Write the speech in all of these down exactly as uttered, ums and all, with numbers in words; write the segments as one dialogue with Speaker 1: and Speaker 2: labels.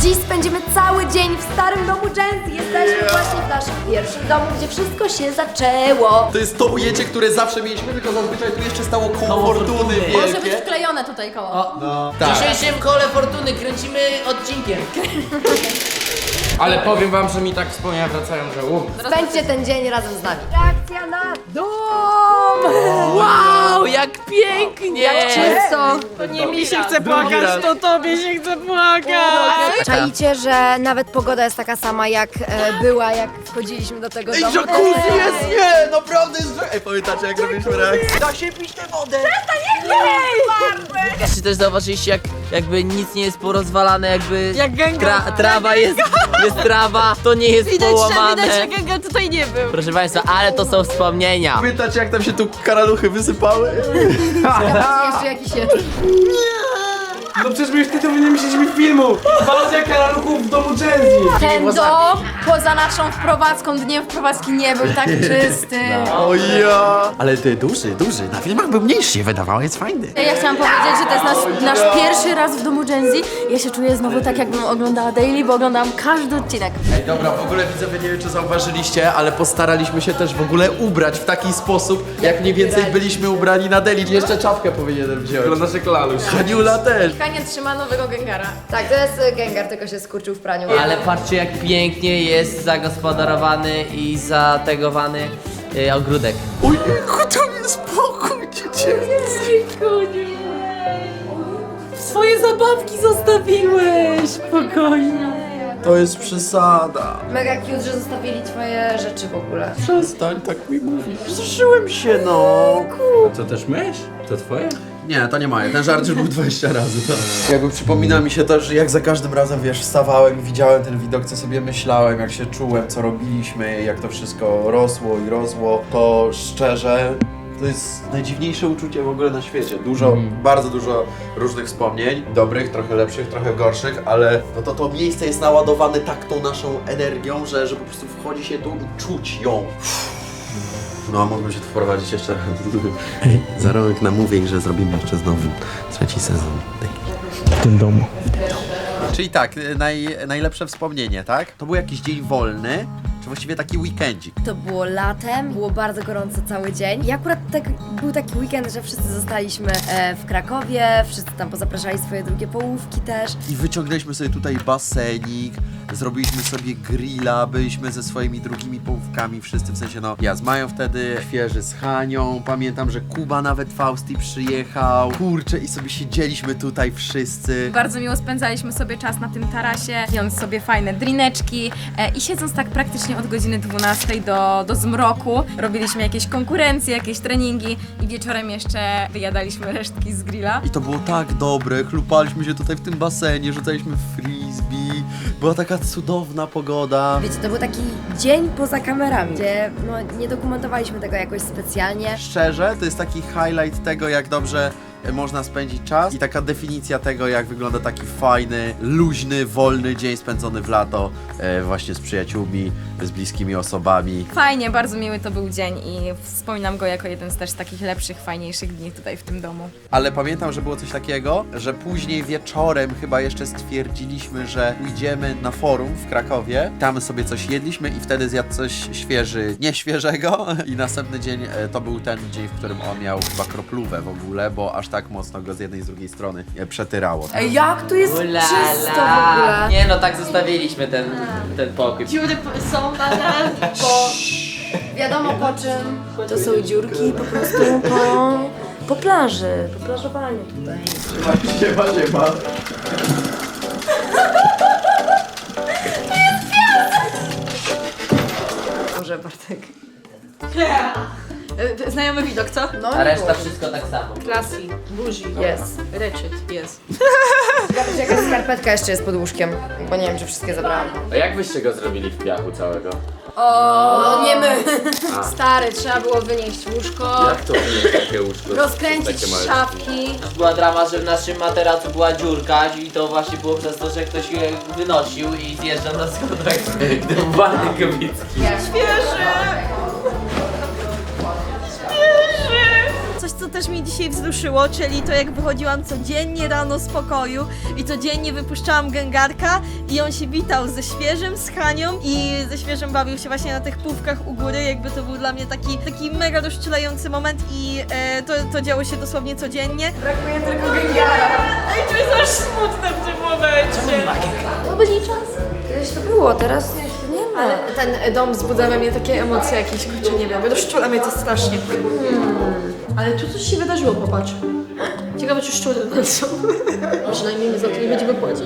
Speaker 1: Dziś spędzimy cały dzień w starym domu Jenzy. Jesteśmy yeah. właśnie w naszym pierwszym domu, gdzie wszystko się zaczęło.
Speaker 2: To jest to ujęcie, które zawsze mieliśmy, tylko zazwyczaj tu jeszcze stało koło fortuny wielkie.
Speaker 1: Może być wklejone tutaj koło. O.
Speaker 2: No.
Speaker 3: W dzisiejszym kole fortuny kręcimy odcinkiem.
Speaker 4: Ale powiem wam, że mi tak wspomnienia wracają, że um.
Speaker 1: Spędźcie ten dzień razem z nami. Reakcja na dom!
Speaker 3: Wow, jak pięknie!
Speaker 1: Jak czysto!
Speaker 5: To nie mi się chce płakać, to tobie się chce płakać.
Speaker 1: Czaicie, że nawet pogoda jest taka sama jak e, była, jak wchodziliśmy do tego
Speaker 2: Ej,
Speaker 1: domu.
Speaker 2: jacuzzi jest, nie, naprawdę jest... Ej, pamiętacie jak robiliśmy reakcję?
Speaker 3: Da się pić tę wodę! Czy też zauważyliście, jak jakby nic nie jest porozwalane, jakby
Speaker 5: Jak Gengar.
Speaker 3: tra trawa jest, jest trawa, to nie jest
Speaker 5: Widać, że,
Speaker 3: połamane.
Speaker 5: widać, że Gengar tutaj nie był.
Speaker 3: Proszę państwa, ale to są wspomnienia.
Speaker 2: Pamiętacie jak tam się tu karaluchy wysypały?
Speaker 1: Jeszcze jakiś jest.
Speaker 4: No przecież my już tytuł nie myśleliśmy filmu! Walcja karaluchów w domu Jenzy!
Speaker 1: Ten dom poza naszą wprowadzką, dniem wprowadzki nie był tak czysty.
Speaker 2: O ja! Ale ty duży, duży, na filmach był mniejszy się wydawało, jest fajny.
Speaker 1: Ja chciałam powiedzieć, że to jest nasz, nasz pierwszy raz w domu Jenzy. Ja się czuję znowu tak, jakbym oglądała daily, bo oglądałam każdy odcinek.
Speaker 2: Ej, dobra, w ogóle widzowie, nie wiem czy zauważyliście, ale postaraliśmy się też w ogóle ubrać w taki sposób, jak mniej więcej byliśmy ubrani na deli. Jeszcze czapkę powinienem wziąć.
Speaker 4: Wyglądasz jak laluś.
Speaker 2: Haniula też.
Speaker 1: Kania trzyma nowego Gengara. Tak, to jest Gengar, tylko się skurczył w praniu.
Speaker 3: Ale patrzcie, jak pięknie jest zagospodarowany i zategowany y, ogródek.
Speaker 2: Oj, to jest spokój, dziecięcy.
Speaker 5: Swoje zabawki zostawiłeś, spokojnie.
Speaker 2: To jest przesada.
Speaker 1: Mega cute, że zostawili twoje rzeczy w ogóle.
Speaker 2: Przestań tak mi mówić. Zruszyłem się, no.
Speaker 4: To też mysz? To twoje?
Speaker 2: Nie, to nie moje. Ten żart już był dwadzieścia razy. Jakby przypomina mi się też, że jak za każdym razem, wiesz, wstawałem i widziałem ten widok, co sobie myślałem, jak się czułem, co robiliśmy, jak to wszystko rosło i rosło, to szczerze, to jest najdziwniejsze uczucie w ogóle na świecie. Dużo,
Speaker 4: Mm.
Speaker 2: bardzo dużo różnych wspomnień, dobrych, trochę lepszych, trochę gorszych, ale no to to miejsce jest naładowane tak tą naszą energią, że, że po prostu wchodzi się tu i czuć ją. No, a mógłbym się tu wprowadzić jeszcze raz. Za rok namówień, że zrobimy jeszcze znowu trzeci sezon.
Speaker 4: W tym domu.
Speaker 2: Czyli tak, naj, najlepsze wspomnienie, tak? To był jakiś dzień wolny, czy właściwie taki weekendzik.
Speaker 1: To było latem, było bardzo gorąco cały dzień. I akurat tak, był taki weekend, że wszyscy zostaliśmy e, w Krakowie, wszyscy tam pozapraszali swoje drugie połówki też.
Speaker 2: I wyciągnęliśmy sobie tutaj basenik, zrobiliśmy sobie grilla, byliśmy ze swoimi drugimi połówkami, wszyscy, w sensie no, ja z Mają wtedy, świeży z Hanią, pamiętam, że Kuba nawet Fausti przyjechał, kurczę, i sobie siedzieliśmy tutaj wszyscy.
Speaker 6: Bardzo miło spędzaliśmy sobie czas na tym tarasie, pijąc sobie fajne drineczki e, i siedząc tak praktycznie od godziny dwunastej do, do zmroku. Robiliśmy jakieś konkurencje, jakieś treningi i wieczorem jeszcze wyjadaliśmy resztki z grilla.
Speaker 2: I to było tak dobre, chlupaliśmy się tutaj w tym basenie, rzucaliśmy frisbee, była taka cudowna pogoda.
Speaker 1: Wiecie, to był taki dzień poza kamerami, gdzie no, nie dokumentowaliśmy tego jakoś specjalnie.
Speaker 2: Szczerze, to jest taki highlight tego, jak dobrze e, można spędzić czas i taka definicja tego, jak wygląda taki fajny, luźny, wolny dzień spędzony w lato e, właśnie z przyjaciółmi, z bliskimi osobami.
Speaker 6: Fajnie, bardzo miły to był dzień i wspominam go jako jeden z też takich lepszych, fajniejszych dni tutaj w tym domu.
Speaker 2: Ale pamiętam, że było coś takiego, że później wieczorem chyba jeszcze stwierdziliśmy, że pójdziemy na forum w Krakowie, tam sobie coś jedliśmy i wtedy zjadł coś świeży, nie świeżego i następny dzień e, to był ten dzień, w którym on miał chyba kroplówę w ogóle, bo aż tak mocno go z jednej i z drugiej strony e, przetyrało.
Speaker 1: Ej, jak tu jest
Speaker 3: Ulala.
Speaker 1: czysto w ogóle.
Speaker 3: Nie no, tak zostawiliśmy ten, ten pokój.
Speaker 5: Dziury są nadal.
Speaker 1: Bo wiadomo po czym, to są dziurki po prostu po, po plaży, po plażowaniu tutaj.
Speaker 2: Siema, siema.
Speaker 1: Może Bartek.
Speaker 5: Znajomy widok, co?
Speaker 1: No
Speaker 3: A reszta wszystko tak samo.
Speaker 5: Classy, bougie,
Speaker 1: jest.
Speaker 5: ratchet, jest.
Speaker 1: Ciekawe, jaka skarpetka jeszcze jest pod łóżkiem, bo nie wiem, czy wszystkie zabrałam.
Speaker 4: A jak byście go zrobili w piachu całego?
Speaker 1: O, nie my. Stary, trzeba było wynieść łóżko,
Speaker 4: Jak to jest takie łóżko?
Speaker 1: rozkręcić
Speaker 4: Takie małe.
Speaker 1: szafki.
Speaker 3: Była drama, że w naszym materacu była dziurka i to właśnie było przez to, że ktoś je wynosił i zjeżdżał na schodach. Gdyby Bartek Kobicki.
Speaker 5: Coś, co
Speaker 7: co też mnie dzisiaj wzruszyło, czyli to jak wychodziłam codziennie rano z pokoju i codziennie wypuszczałam Gengarka i on się witał ze Świeżym, z Hanią i ze Świeżym bawił się właśnie na tych pówkach u góry, jakby to był dla mnie taki, taki mega rozczulający moment i e, to, to działo się dosłownie codziennie.
Speaker 6: Brakuje tylko Gengara. Ej, to jest aż smutne w tym momencie.
Speaker 1: To byli czas. Kiedyś to było, teraz nie ma.
Speaker 5: Ale ten dom wzbudza we mnie takie emocje jakieś, kurczę, nie wiem, rozczula mnie to strasznie. Hmm. Ale tu coś się wydarzyło, popatrz. Ciekawe, czy szczury są. Przynajmniej my za to nie będziemy płacić.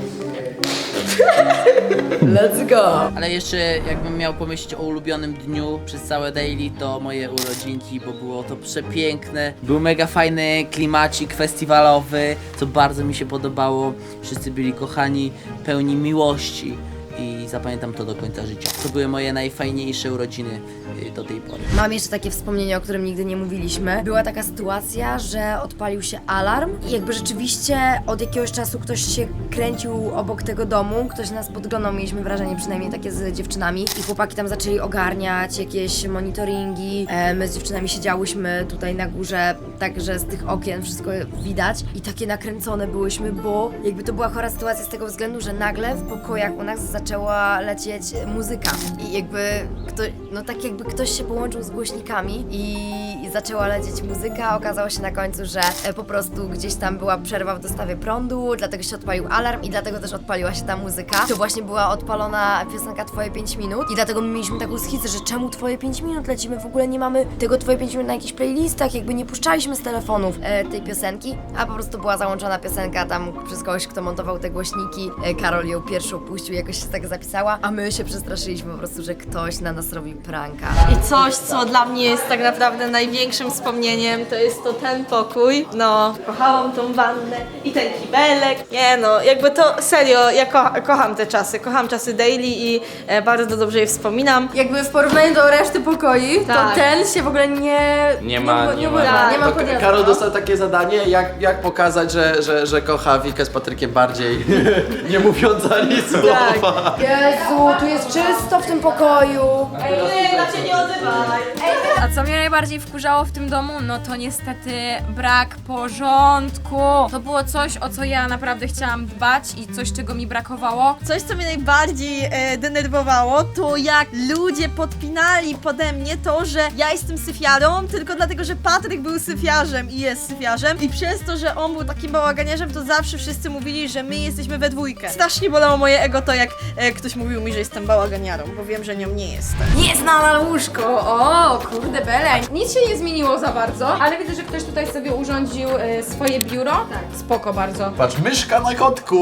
Speaker 1: Let's go!
Speaker 3: Ale jeszcze jakbym miał pomyśleć o ulubionym dniu przez całe daily, to moje urodzinki, bo było to przepiękne. Był mega fajny klimacik festiwalowy, co bardzo mi się podobało. Wszyscy byli kochani, pełni miłości i zapamiętam to do końca życia. To były moje najfajniejsze urodziny y, do tej pory.
Speaker 1: Mam jeszcze takie wspomnienie, o którym nigdy nie mówiliśmy. Była taka sytuacja, że odpalił się alarm i jakby rzeczywiście od jakiegoś czasu ktoś się kręcił obok tego domu, ktoś nas podglądał, mieliśmy wrażenie przynajmniej takie z dziewczynami i chłopaki tam zaczęli ogarniać jakieś monitoringi. E, my z dziewczynami siedziałyśmy tutaj na górze, także z tych okien wszystko widać i takie nakręcone byłyśmy, bo jakby to była chora sytuacja z tego względu, że nagle w pokojach u nas zaczęła lecieć muzyka i jakby ktoś, no tak jakby ktoś się połączył z głośnikami i, i zaczęła lecieć muzyka. Okazało się na końcu, że e, po prostu gdzieś tam była przerwa w dostawie prądu, dlatego się odpalił alarm i dlatego też odpaliła się ta muzyka. To właśnie była odpalona piosenka Twoje pięć minut i dlatego my mieliśmy taką schizę, że czemu Twoje pięć minut lecimy? W ogóle nie mamy tego Twoje pięć minut na jakichś playlistach, jakby nie puszczaliśmy z telefonów e, tej piosenki, a po prostu była załączona piosenka tam przez kogoś, kto montował te głośniki. E, Karol ją pierwszą puścił, jakoś się tak zapisała, a my się przestraszyliśmy po prostu, że ktoś na nas robił pranka.
Speaker 7: I coś, co dla mnie jest tak naprawdę największym wspomnieniem, to jest to ten pokój. No, kochałam tą wannę i ten kibelek. Nie no, jakby to serio, ja ko kocham te czasy, kocham czasy daily i e, bardzo dobrze je wspominam.
Speaker 6: Jakby w porównaniu do reszty pokoi,
Speaker 7: Tak.
Speaker 6: to ten się w ogóle nie...
Speaker 4: Nie ma,
Speaker 6: nie,
Speaker 4: nie ma.
Speaker 6: urywa, nie ma
Speaker 2: To
Speaker 6: podjazdu.
Speaker 2: Karol dostał takie zadanie, jak, jak pokazać, że, że, że kocha Wikę z Patrykiem bardziej, nie mówiąc ani słowa.
Speaker 1: Jezu, tu jest czysto w tym pokoju.
Speaker 7: Ej, na cię nie odzywaj!
Speaker 6: A co mnie najbardziej wkurzało w tym domu? No to niestety brak porządku. To było coś, o co ja naprawdę chciałam dbać i coś, czego mi brakowało.
Speaker 7: Coś, co mnie najbardziej e, denerwowało, to jak ludzie podpinali pode mnie to, że ja jestem syfiarą, tylko dlatego, że Patryk był syfiarzem i jest syfiarzem i przez to, że on był takim bałaganiarzem, to zawsze wszyscy mówili, że my jesteśmy we dwójkę. Strasznie bolało moje ego to, jak e, ktoś mówił mi, że jestem bałaganiarą, bo wiem, że nią nie jestem.
Speaker 6: Jest na łóżko! O, kurde bele. Nic się nie zmieniło za bardzo, ale widzę, że ktoś tutaj sobie urządził e, swoje biuro. Tak. Spoko bardzo.
Speaker 2: Patrz, myszka na kotku.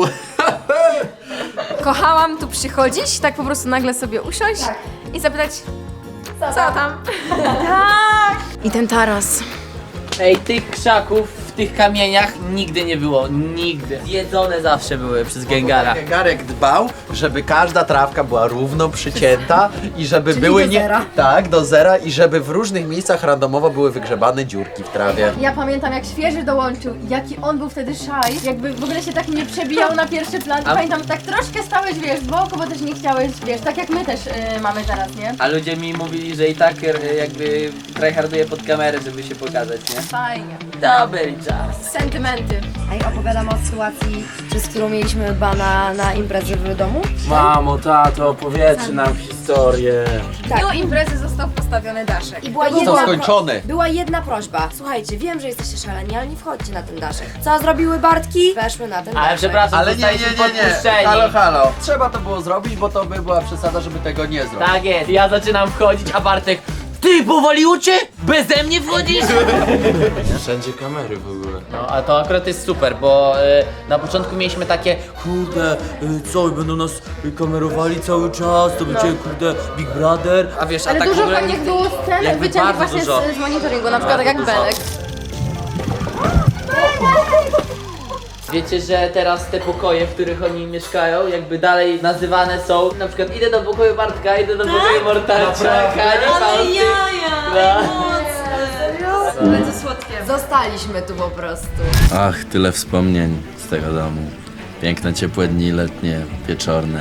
Speaker 6: Kochałam tu przychodzić, tak po prostu nagle sobie usiąść i zapytać, co tam? Tak! I ten taras.
Speaker 3: Ej, tych krzaków w tych kamieniach nigdy nie było, nigdy. Jedzone zawsze były przez Gengara.
Speaker 2: Gengarek dbał, żeby każda trawka była równo przycięta i żeby
Speaker 1: Czyli
Speaker 2: były
Speaker 1: do
Speaker 2: nie...
Speaker 1: zera.
Speaker 2: Tak, do zera i żeby w różnych miejscach randomowo były wygrzebane dziurki w trawie.
Speaker 5: Ja pamiętam, jak Świeży dołączył, jaki on był wtedy szaj, jakby w ogóle się tak nie przebijał na pierwszy plan.
Speaker 3: A-
Speaker 5: Pamiętam, tak troszkę stałeś, wiesz, z boku, bo też nie chciałeś, wiesz, tak jak my też y, mamy teraz, nie?
Speaker 3: A ludzie mi mówili, że i tak e, jakby tryharduję pod kamerę, żeby się pokazać, nie?
Speaker 5: Fajnie.
Speaker 3: Dobry czas.
Speaker 5: Sentymenty.
Speaker 1: Ej, opowiadam o sytuacji, przez którą mieliśmy bana na imprezy w domu.
Speaker 4: Mamo, tato, opowiedzcie nam historię.
Speaker 6: W dniu imprezy został postawiony daszek.
Speaker 1: I była
Speaker 2: Został
Speaker 1: jedna,
Speaker 2: skończony.
Speaker 1: była jedna prośba. Słuchajcie, wiem, że jesteście szaleni, ale nie wchodźcie na ten daszek. Co zrobiły Bartki? Weszły na ten
Speaker 3: Ale
Speaker 1: daszek.
Speaker 3: przepraszam,
Speaker 2: Ale nie, nie,
Speaker 3: zostaliśmy
Speaker 2: nie, nie.
Speaker 3: podpuszczeni.
Speaker 2: Halo, halo. Trzeba to było zrobić, bo to by była przesada, żeby tego nie zrobić.
Speaker 3: Tak jest, ja zaczynam wchodzić, a Bartek, ty powaliło cię? Beze mnie wchodzisz?
Speaker 4: Wszędzie kamery w ogóle.
Speaker 3: No, a to akurat jest super, bo y, na początku mieliśmy takie,
Speaker 8: Kurde, y, co, będą nas y, kamerowali cały czas, to będzie, kurde, Big Brother.
Speaker 3: a wiesz, a
Speaker 5: Ale
Speaker 3: tak w
Speaker 5: dużo
Speaker 3: ogóle
Speaker 5: fajnych
Speaker 3: nigdy-
Speaker 5: było scen
Speaker 3: jakby
Speaker 5: wyciętych
Speaker 3: bardzo
Speaker 5: właśnie
Speaker 3: dużo.
Speaker 5: z, z monitoringu, na przykład tak jak
Speaker 3: Bardzo
Speaker 5: Belek.
Speaker 3: Wiecie, że teraz te pokoje, w których oni mieszkają, jakby dalej nazywane są, na przykład idę do pokoju Bartka, idę do pokoju Mortalcia, Kani,
Speaker 7: Ale
Speaker 3: Fausty.
Speaker 7: jaja!
Speaker 3: No.
Speaker 7: Mocne! Będzie słodkie.
Speaker 1: Zostaliśmy tu po prostu.
Speaker 8: Ach, tyle wspomnień z tego domu. Piękne, ciepłe dni letnie, wieczorne,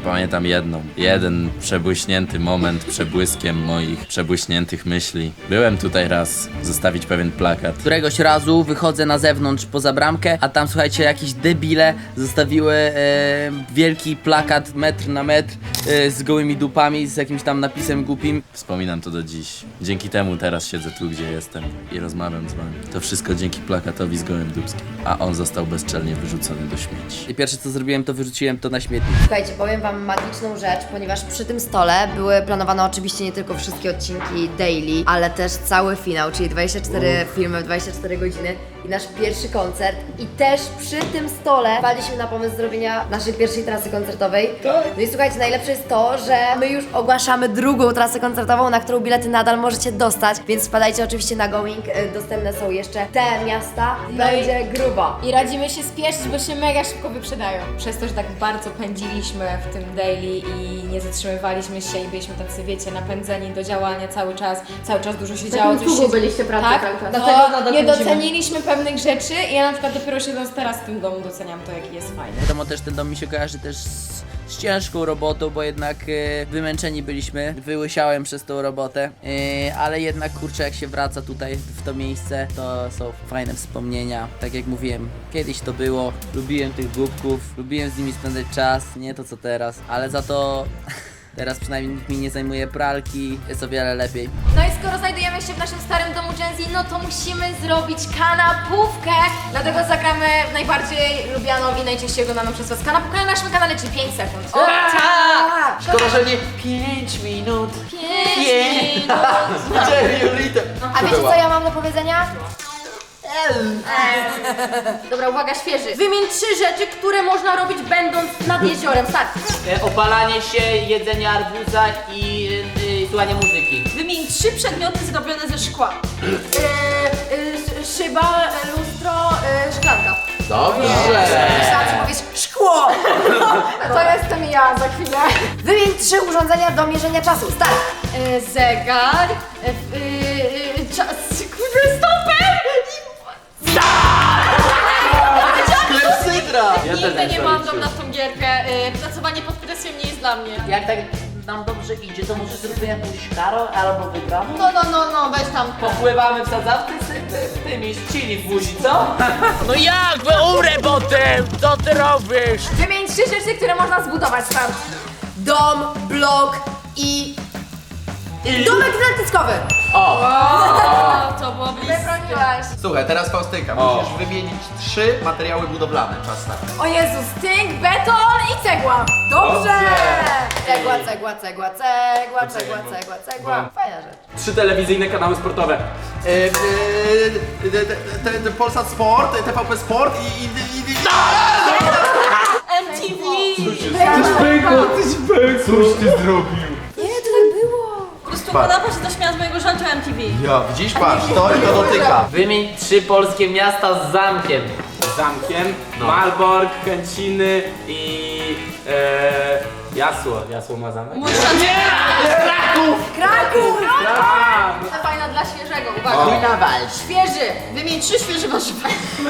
Speaker 8: pamiętam jedną, jeden przebłyśnięty moment przebłyskiem moich przebłyśniętych myśli. Byłem tutaj raz zostawić pewien plakat.
Speaker 3: Któregoś razu wychodzę na zewnątrz poza bramkę, a tam słuchajcie, jakieś debile zostawiły e, wielki plakat metr na metr e, z gołymi dupami, z jakimś tam napisem głupim.
Speaker 8: Wspominam to do dziś. Dzięki temu teraz siedzę tu, gdzie jestem i rozmawiam z wami. To wszystko dzięki plakatowi z gołym dupskim, a on został bezczelnie wyrzucony do śmieci.
Speaker 3: I pierwsze co zrobiłem, to wyrzuciłem to na śmietnik.
Speaker 1: Słuchajcie, powiem wam magiczną rzecz, ponieważ przy tym stole były planowane oczywiście nie tylko wszystkie odcinki daily, ale też cały finał, czyli dwadzieścia cztery filmy w dwadzieścia cztery godziny i nasz pierwszy koncert. I też przy tym stole wpadliśmy na pomysł zrobienia naszej pierwszej trasy koncertowej. No i słuchajcie, najlepsze jest to, że my już ogłaszamy drugą trasę koncertową, na którą bilety nadal możecie dostać, więc wpadajcie oczywiście na Going, y, dostępne są jeszcze te miasta, będzie grubo.
Speaker 6: I radzimy się spieszyć, bo się mega szybko wyprzedają. Przez to, że tak bardzo pędziliśmy w tym daily i nie zatrzymywaliśmy się i byliśmy tacy, wiecie, napędzeni do działania cały czas, cały czas dużo się działo. coś
Speaker 5: długo
Speaker 6: się...
Speaker 5: byliście pracy
Speaker 6: tak?
Speaker 5: cały czas.
Speaker 6: To
Speaker 5: Dlatego nadal
Speaker 6: nie
Speaker 5: pędzimy.
Speaker 6: doceniliśmy pewnych rzeczy i ja na przykład dopiero siedząc teraz w tym domu doceniam to, jaki jest fajny.
Speaker 3: Wiadomo, też ten dom mi się kojarzy też z, z ciężką robotą, bo jednak e, wymęczeni byliśmy, wyłysiałem przez tą robotę, e, ale jednak kurczę, jak się wraca tutaj w to miejsce, to są fajne wspomnienia. Tak jak mówiłem, kiedyś to było, lubiłem tych głupków, lubiłem z nimi spędzać czas, nie to co teraz, ale za to teraz przynajmniej nikt mi nie zajmuje pralki, jest o wiele lepiej.
Speaker 6: No i skoro znajdujemy się w naszym starym domu Gen Z, no to musimy zrobić kanapówkę. Dlatego zagramy w najbardziej lubianą i najczęściej oglądaną przez was kanapówkę na naszym kanale, czyli pięć sekund. O tak!
Speaker 2: Szkoda, że nie pięć minut.
Speaker 6: pięć minut.
Speaker 1: A wiecie co ja mam do powiedzenia?
Speaker 5: Dobra, uwaga, świeży. Wymień trzy rzeczy, które można robić będąc nad jeziorem. Start.
Speaker 3: E, opalanie się, jedzenie arbuza i e, słuchanie muzyki.
Speaker 5: Wymień trzy przedmioty zrobione ze szkła.
Speaker 1: Yy, yy, szyba, lustro, yy, szklanka.
Speaker 2: Dobrze.
Speaker 1: Myślałam, że powiesz szkło!
Speaker 6: To jestem ja za chwilę.
Speaker 1: Wymień trzy urządzenia do mierzenia czasu. Start!
Speaker 5: E, zegar. E, e, e, czas. Kurde, stoper!
Speaker 2: Klepsydra!
Speaker 8: Ja
Speaker 5: Nigdy nie mam dom na tą gierkę. E, pracowanie pod presją nie jest dla mnie.
Speaker 3: Jak tak nam dobrze idzie, to może zróbmy jakąś karę albo wygraną?
Speaker 5: No, no, no, no, weź tam.
Speaker 3: Popływamy w sadzawce z ty, tymi z chili w buzi, co?
Speaker 8: No jak? Umrę potem! Co ty robisz?
Speaker 6: Wymień trzy rzeczy, które można zbudować tam.
Speaker 1: Dom, blok i... Domek dentystkowy!
Speaker 5: O, to było blisko.
Speaker 6: Wybroniłaś.
Speaker 2: Słuchaj, teraz Faustyka, musisz wymienić trzy materiały budowlane. Czas start.
Speaker 6: O Jezus, tynk, beton i cegła. Dobrze!
Speaker 1: Cegła, cegła, cegła, cegła, cegła, cegła, cegła. Fajna rzecz.
Speaker 4: Trzy telewizyjne kanały sportowe.
Speaker 2: E, e, e, te- te- te Polsat Sport, T V P Sport i... i, i, i
Speaker 5: M T V.
Speaker 4: Coś ty zrobił.
Speaker 1: Nie, to tak było.
Speaker 7: Po prostu podoba się to śmiała z mojego żartu M T V.
Speaker 2: Ja, widzisz, patrz, to to dotyka.
Speaker 3: Wymień trzy polskie miasta z zamkiem.
Speaker 4: Zamkiem, Malbork, Chęciny i... E, Jasło. Jasło ma zamek?
Speaker 1: Kraków!
Speaker 5: To fajna dla świeżego, uwaga. Świeży. Wymień trzy świeże warzywa.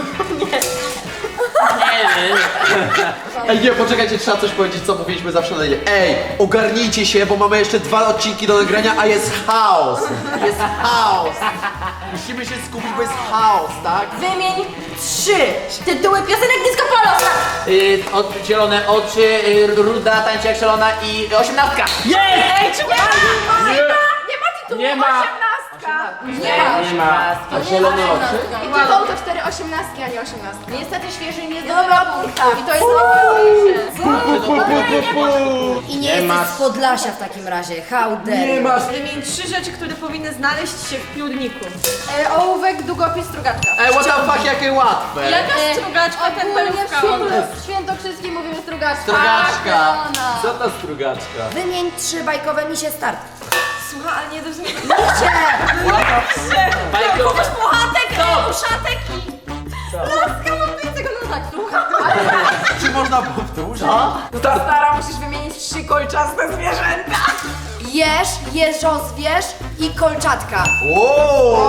Speaker 2: Ej, nie, poczekajcie, trzeba coś powiedzieć, co mówiliśmy zawsze na nie. Ej, ogarnijcie się, bo mamy jeszcze dwa odcinki do nagrania, a jest chaos. Jest chaos. Musimy się skupić, bo jest chaos, tak?
Speaker 5: Wymień trzy tytuły piosenek Disco Polo.
Speaker 3: Y, od, zielone oczy, y, ruda, tańczy jak szalona i osiemnastka.
Speaker 6: Ej, czy nie ma? Nie ma tytułu
Speaker 4: Nie ma.
Speaker 6: osiemnastka.
Speaker 4: Nie ma.
Speaker 2: A zielone oczy?
Speaker 6: I tytuł to cztery osiemnastki, a nie osiemnastki.
Speaker 5: Niestety świeży nie
Speaker 6: Dobra,
Speaker 5: zdobywa I to jest najważniejsze.
Speaker 1: I nie, jesteś z Podlasia w takim razie. How dare you.
Speaker 7: Wymień trzy rzeczy, które powinny znaleźć się w piórniku.
Speaker 5: E, ołówek, długopis, strugaczka.
Speaker 2: Ej, what the fuck, jakie łatwe.
Speaker 7: Jaka strugaczka, temperówka?
Speaker 5: W Świętokrzyskim mówimy strugaczka.
Speaker 2: Strugaczka.
Speaker 4: Co to strugaczka?
Speaker 1: Wymień trzy bajkowe misie start.
Speaker 7: Słuchaj, ale nie do mnie.
Speaker 3: Bajkowe.
Speaker 7: Puchatek, uszatek i... Laska, mam tego no tak, słucham.
Speaker 2: Czy można powtórzyć?
Speaker 6: Stara, musisz wymienić trzy kolczaste zwierzęta.
Speaker 1: Jeż, jeżozwierz i kolczatka.
Speaker 2: Wow.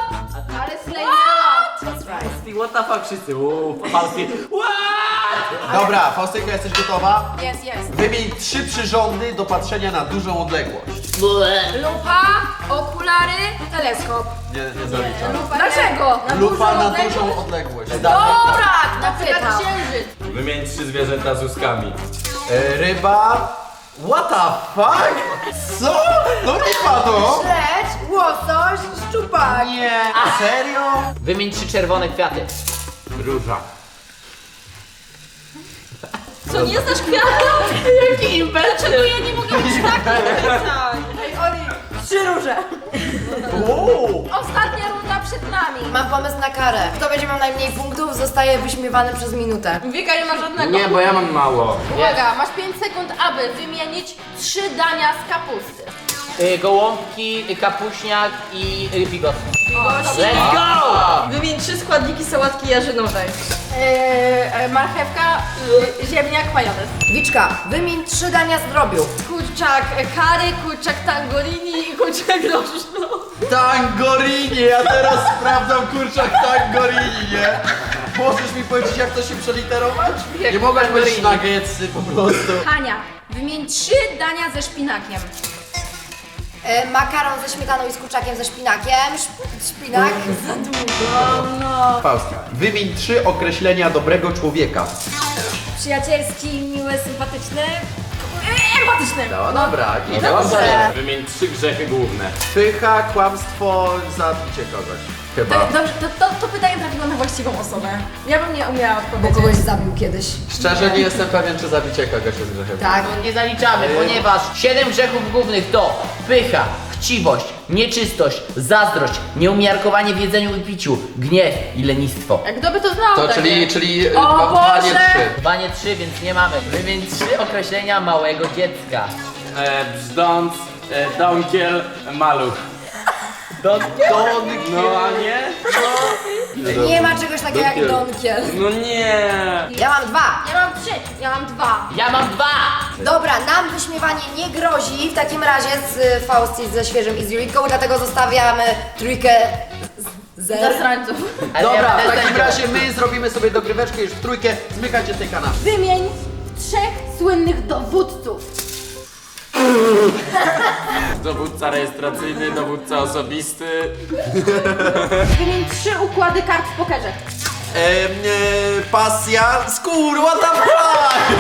Speaker 5: Ale slejna.
Speaker 1: That's right.
Speaker 4: What the fuck wszyscy? Uuu, falski. What?
Speaker 2: Dobra, Faustyka, jesteś gotowa?
Speaker 6: Jest, jest.
Speaker 2: Wymień trzy przyrządy do patrzenia na dużą odległość.
Speaker 6: Lupa, okulary, teleskop.
Speaker 2: Nie, nie zaliczam.
Speaker 6: Dlaczego?
Speaker 2: Lupa na dużą odległość.
Speaker 6: Dobra, na
Speaker 5: Przykład
Speaker 6: pyta.
Speaker 5: księżyc.
Speaker 8: Wymień trzy zwierzęta z łuskami.
Speaker 2: E, ryba. What the fuck? Co? No ryba to!
Speaker 1: Śledź, łosoś, szczupak.
Speaker 2: Nie, serio?
Speaker 3: Wymień trzy czerwone kwiaty.
Speaker 8: Róża.
Speaker 5: Co, nie znasz kwiatów? Jaki impet? Dlaczego ja nie mogę być taki?
Speaker 1: Ej, Oli, trzy róże.
Speaker 2: Uuu.
Speaker 6: Ostatnia runda przed nami.
Speaker 1: Mam pomysł na karę. Kto będzie miał najmniej punktów, zostaje wyśmiewany przez minutę.
Speaker 6: Wika nie ma żadnego.
Speaker 8: Nie, bo ja mam mało.
Speaker 6: Uwaga, masz pięć sekund, aby wymienić trzy dania z kapusty.
Speaker 3: Y, gołąbki, y, kapuśniak i y, bigos.
Speaker 6: Bigos.
Speaker 3: Let's go!
Speaker 5: Wymień trzy składniki sałatki jarzynowej.
Speaker 6: Yy, marchewka, yy, ziemniak, majonez.
Speaker 1: Wiczka, wymień trzy dania z drobiu.
Speaker 5: Kurczak curry, kurczak tangorini i kurczak rożno.
Speaker 2: Tangorini! Ja teraz sprawdzam kurczak tangorini, nie? Możesz mi powiedzieć, jak to się przeliterować? Nie mogę powiedzieć nuggetsy po prostu.
Speaker 6: Hania, wymień trzy dania ze szpinakiem.
Speaker 1: E, makaron ze śmietaną i z kurczakiem ze szpinakiem. Szp szpinak. Za długo.
Speaker 2: Faustka, wymień trzy określenia dobrego człowieka.
Speaker 1: Przyjacielski, miły, sympatyczny.
Speaker 6: Empatyczny.
Speaker 2: No dobra, i
Speaker 1: Dobrze.
Speaker 8: Wymień trzy grzechy główne.
Speaker 2: pycha, kłamstwo, zabicie kogoś. Chyba.
Speaker 6: Dobrze, to, to, to pytanie trafiło na właściwą osobę. Ja bym nie umiała
Speaker 1: Bo
Speaker 6: odpowiedzieć.
Speaker 1: kogoś zabił kiedyś.
Speaker 2: Szczerze nie jestem pewien, czy zabicie kogoś jest grzechem.
Speaker 1: Tak.
Speaker 3: Nie zaliczamy, ponieważ siedem grzechów głównych to pycha, chciwość, nieczystość, zazdrość, nieumiarkowanie w jedzeniu i piciu, gniew i lenistwo.
Speaker 6: Jak kto by to znał?
Speaker 2: To
Speaker 6: takie?
Speaker 2: czyli, czyli
Speaker 6: O
Speaker 2: dwa, dwa, nie
Speaker 6: Boże!
Speaker 2: trzy.
Speaker 3: Dwa, nie trzy, więc nie mamy. Wymień trzy określenia małego dziecka.
Speaker 8: E, brzdąc, e, donkiel, maluch.
Speaker 3: Donkiel?
Speaker 8: No a nie?
Speaker 1: Nie ma czegoś takiego jak donkiel.
Speaker 8: No nie.
Speaker 1: Ja mam dwa.
Speaker 6: Ja mam trzy, ja mam dwa.
Speaker 3: Ja mam dwa!
Speaker 1: Dobra, nam wyśmiewanie nie grozi w takim razie z y, Fausti, ze Świeżym i z Julitką, dlatego zostawiamy trójkę z zer.
Speaker 6: Zasrańców.
Speaker 3: Ale
Speaker 2: Dobra,
Speaker 3: ja
Speaker 2: w
Speaker 3: będę
Speaker 2: takim
Speaker 3: sędzią.
Speaker 2: razie my zrobimy sobie dogryweczkę już w trójkę. Zmykajcie z tej kanapy.
Speaker 6: Wymień trzech słynnych dowódców.
Speaker 8: Dowódca rejestracyjny, dowódca osobisty.
Speaker 6: Wymień trzy układy kart w pokerze.
Speaker 2: Ehm, e, pasja, skór, what the fuck?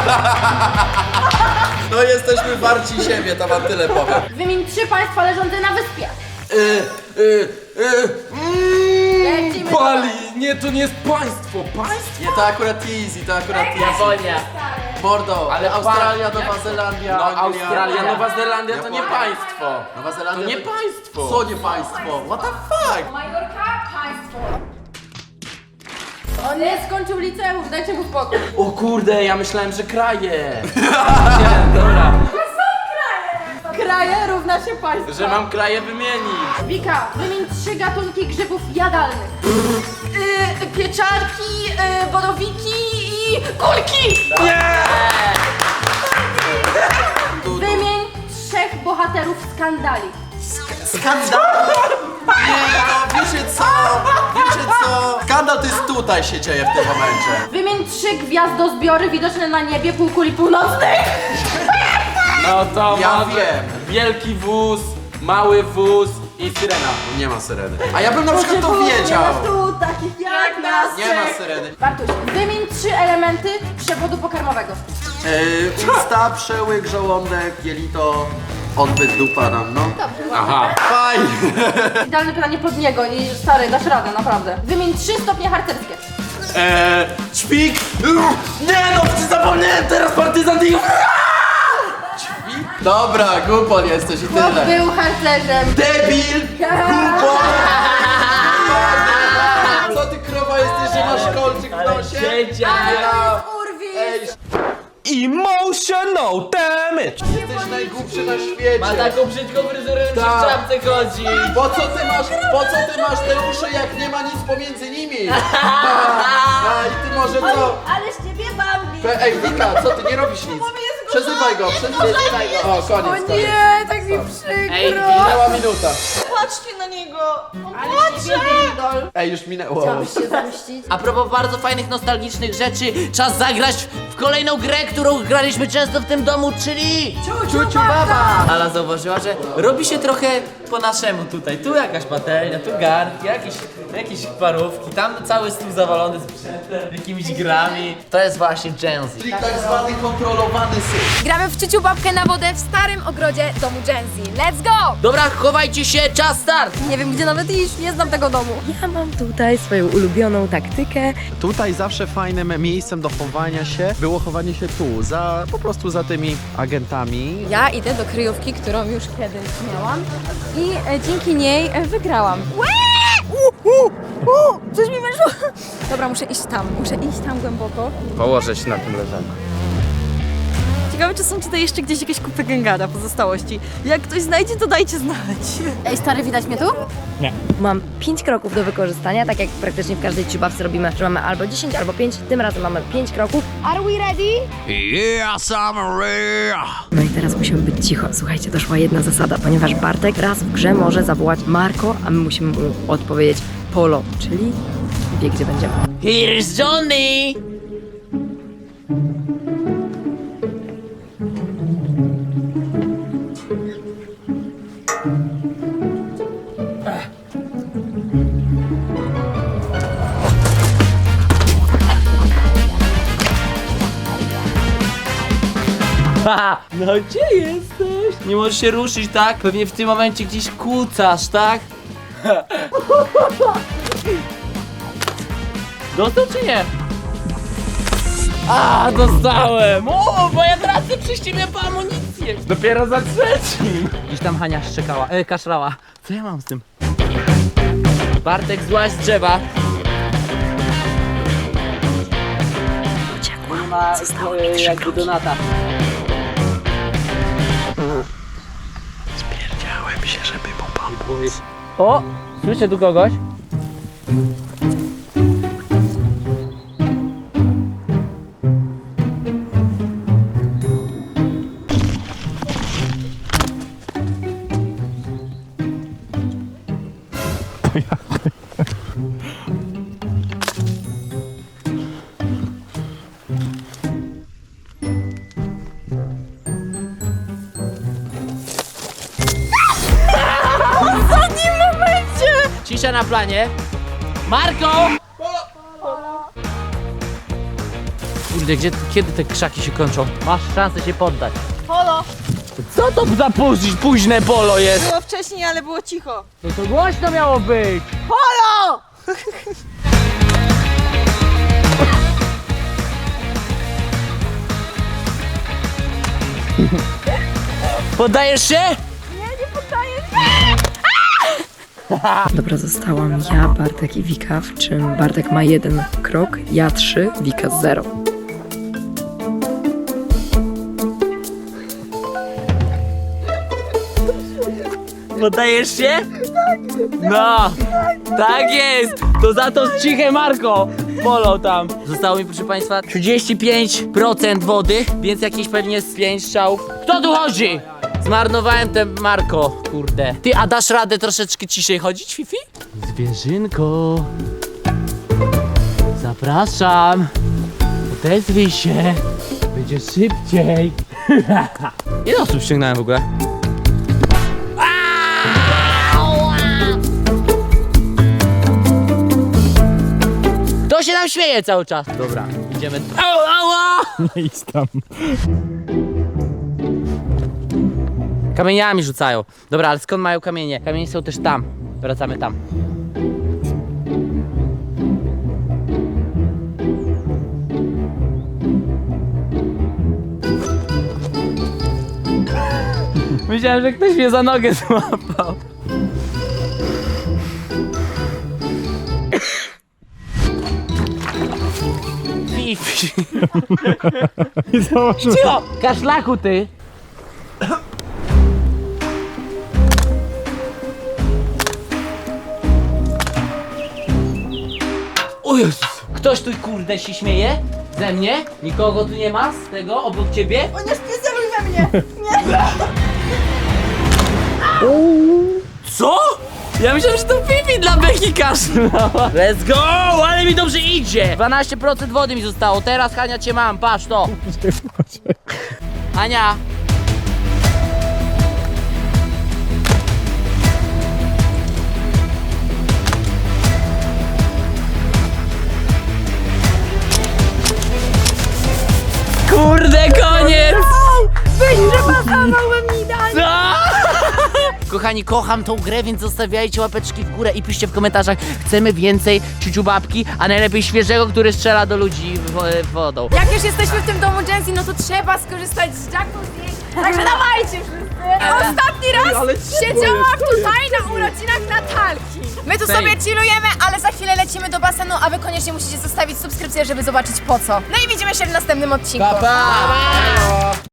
Speaker 2: No jesteśmy warci siebie, to wam tyle powiem.
Speaker 6: Wymień trzy państwa leżące na wyspie.
Speaker 2: E, e, e, mm.
Speaker 6: Lecimy.
Speaker 8: Bali! Nie, to nie jest państwo. Państwo?
Speaker 2: Nie, to akurat easy, to akurat easy.
Speaker 3: Japonia.
Speaker 2: Mordo, ale
Speaker 8: Ale
Speaker 2: Australia,
Speaker 8: pa-
Speaker 2: Nowa Zelandia,
Speaker 8: No
Speaker 2: Anglia.
Speaker 8: Australia, Nowa Zelandia to nie
Speaker 2: Japonia.
Speaker 8: państwo.
Speaker 2: Nowa Zelandia
Speaker 8: To nie państwo.
Speaker 2: Co nie państwo? What the fuck?
Speaker 6: Majorka, państwo. On nie skończył liceum, dajcie mu spokój.
Speaker 8: O kurde, ja myślałem, że kraje.
Speaker 6: Kraje równa się państwo.
Speaker 8: Że mam kraje wymienić.
Speaker 6: Wika, wymień trzy gatunki grzybów jadalnych.
Speaker 5: Yy, pieczarki, yy, borowiki i kulki!
Speaker 6: Wymień trzech bohaterów skandali.
Speaker 2: Skandal? Nie, no wiecie co? Wiecie co? Skandal to jest tutaj się dzieje w tym momencie.
Speaker 6: Wymień trzy gwiazdozbiory widoczne na niebie półkuli północnej.
Speaker 8: No to
Speaker 2: Ja
Speaker 8: może
Speaker 2: wiem.
Speaker 8: wielki wóz, mały wóz i syrena.
Speaker 2: Nie ma syreny. A ja bym na przykład to wiedział.
Speaker 5: Tu takich jak nas
Speaker 2: Nie ma syreny.
Speaker 6: Bartuś, wymień trzy elementy przewodu pokarmowego.
Speaker 2: Yy, usta, przełyk, żołądek, jelito, odbyt, dupa nam, no.
Speaker 8: Aha.
Speaker 2: Fajnie.
Speaker 6: Idealne pytanie pod niego i stary, dasz radę, naprawdę. Wymień trzy stopnie harcerskie.
Speaker 8: Eee, szpik. Nie no, zapomniałem teraz partyzant i...
Speaker 2: Dobra, głupon jesteś i
Speaker 6: Chłop
Speaker 2: tyle.
Speaker 6: był harcerzem.
Speaker 2: Debil! Głupon! Co ty krowa jesteś, że masz kolczyk w nosie?
Speaker 3: Sędzia.
Speaker 2: Ej,
Speaker 4: Emotional damage!
Speaker 2: jesteś najgłupszy na świecie.
Speaker 3: Ma taką brzydką fryzurę, że
Speaker 2: Tak.
Speaker 3: w czapce chodzi.
Speaker 2: Po co ty masz, po co ty masz te uszy, jak nie ma nic pomiędzy nimi? A, i ty może co?
Speaker 5: Ale z ciebie Bambi!
Speaker 2: Pe- Ej, Wika, co ty nie robisz nic? Przezywaj go, przezywaj go. O, koniec, koniec.
Speaker 1: Nie, tak mi przykro.
Speaker 3: Ej,
Speaker 2: Minęła minuta.
Speaker 7: Patrzcie na niego!
Speaker 2: Ej, już minęło.
Speaker 1: Chciałbyś się zemścić?
Speaker 3: A propos bardzo fajnych, nostalgicznych rzeczy, czas zagrać w kolejną grę, którą graliśmy często w tym domu, czyli... Ciuciu Baba! Ala zauważyła, że robi się trochę po naszemu tutaj. Tu jakaś patelnia, tu garnki, jakieś, jakieś parówki, tam cały stół zawalony sprzętem, jakimiś grami. To jest właśnie Gen Z.
Speaker 2: Czyli tak zwany kontrolowany syf.
Speaker 6: Gramy w ciuciu babkę na wodę w starym ogrodzie domu Gen Z. Let's go!
Speaker 3: Dobra, chowajcie się, czas start!
Speaker 1: Nie wiem, gdzie nawet iść, nie znam tego domu. Ja mam tutaj swoją ulubioną taktykę.
Speaker 2: Tutaj zawsze fajnym miejscem do chowania się było chowanie się tu, za, po prostu za tymi agentami.
Speaker 6: Ja idę do kryjówki, którą już kiedyś miałam i e, dzięki niej e, wygrałam. U, u, u, coś mi weszło. Dobra, muszę iść tam, muszę iść tam głęboko.
Speaker 4: Położę się na tym leżaku.
Speaker 7: Ciekawe, czy są tutaj jeszcze gdzieś jakieś kupy gęgara pozostałości. Jak ktoś znajdzie, to dajcie znać.
Speaker 6: Ej, stary, widać mnie tu?
Speaker 1: Mam pięć kroków do wykorzystania, tak jak praktycznie w każdej ciubawce robimy, że mamy albo dziesięć, albo pięć. Tym razem mamy pięć kroków. Are we ready?
Speaker 2: Yes, I'm ready.
Speaker 1: No i teraz musimy być cicho. Słuchajcie, doszła jedna zasada, ponieważ Bartek raz w grze może zawołać Marko, a my musimy mu odpowiedzieć Polo, czyli wie, gdzie będziemy.
Speaker 3: Here's Johnny! Ha, no gdzie jesteś? Nie możesz się ruszyć, tak? Pewnie w tym momencie gdzieś kucasz, tak? Dostał czy nie? A, dostałem! O, moja praca przyściemia po amunicję! Dopiero za trzecim! Gdzieś tam Hania szczekała, e, kaszlała. Co ja mam z tym? Bartek, złaź z drzewa.
Speaker 1: Uciekła.
Speaker 3: Nie ma
Speaker 1: Zostało mi
Speaker 3: e,
Speaker 1: trzy
Speaker 3: jakby
Speaker 1: kroki.
Speaker 3: donata.
Speaker 2: Spierdziałem się, żeby mu pomóc.
Speaker 3: O! Słyszę tu kogoś. Cisza na planie. Marko! Kurde, gdzie, kiedy te krzaki się kończą? Masz szansę się poddać.
Speaker 7: Polo!
Speaker 3: Co to za póź, późne polo jest?
Speaker 7: Było wcześniej, ale było cicho.
Speaker 3: No to głośno miało być.
Speaker 7: Polo!
Speaker 3: Poddajesz się?
Speaker 1: Dobra, zostałam ja, Bartek i Wika, w czym Bartek ma jeden krok, ja trzy, Wika zero.
Speaker 3: Poddajesz się? No, tak jest! To za to ciche Marko! Polo tam. Zostało mi, proszę państwa, trzydzieści pięć procent wody, więc jakieś pewnie z pięć strzałów. Kto tu chodzi? Zmarnowałem ten Marko, kurde. Ty, a dasz radę troszeczkę ciszej chodzić, Fifi? Zwierzynko. Zapraszam. Odezwij się. Będzie szybciej. Ile osób ściągnąłem w ogóle? Kto się nam śmieje cały czas? Dobra, idziemy. Au, ała!
Speaker 4: Nie idź tam.
Speaker 3: Kamieniami rzucają. Dobra, ale skąd mają kamienie? Kamienie są też tam. Wracamy tam. Myślałem, że ktoś mnie za nogę złapał. Fifi. Cicho! Kaszlaku ty! O Jezus! Ktoś tu kurde się śmieje? Ze mnie? Nikogo tu nie ma z tego obok ciebie?
Speaker 7: O nie, nie zeruj we mnie!
Speaker 3: Co? Ja myślałem, że to Fifi dla Beki kaszlała. Let's go, ale mi dobrze idzie. dwanaście procent wody mi zostało, teraz Hania cię mam, patrz to. Hania. Kurde, koniec! Co? Kochani, kocham tą grę, więc zostawiajcie łapeczki w górę i piszcie w komentarzach, chcemy więcej ciuciubabki, a najlepiej świeżego, który strzela do ludzi w- wodą.
Speaker 6: Jak już jesteśmy w tym domu Jensi, no to trzeba skorzystać z jacuzzi. Także dawajcie wszyscy. Ostatni raz siedziałam tutaj na urodzinach Natalki. My tu sobie chillujemy, ale za chwilę lecimy do basenu, a wy koniecznie musicie zostawić subskrypcję, żeby zobaczyć po co. No i widzimy się w następnym odcinku.
Speaker 3: Pa, pa!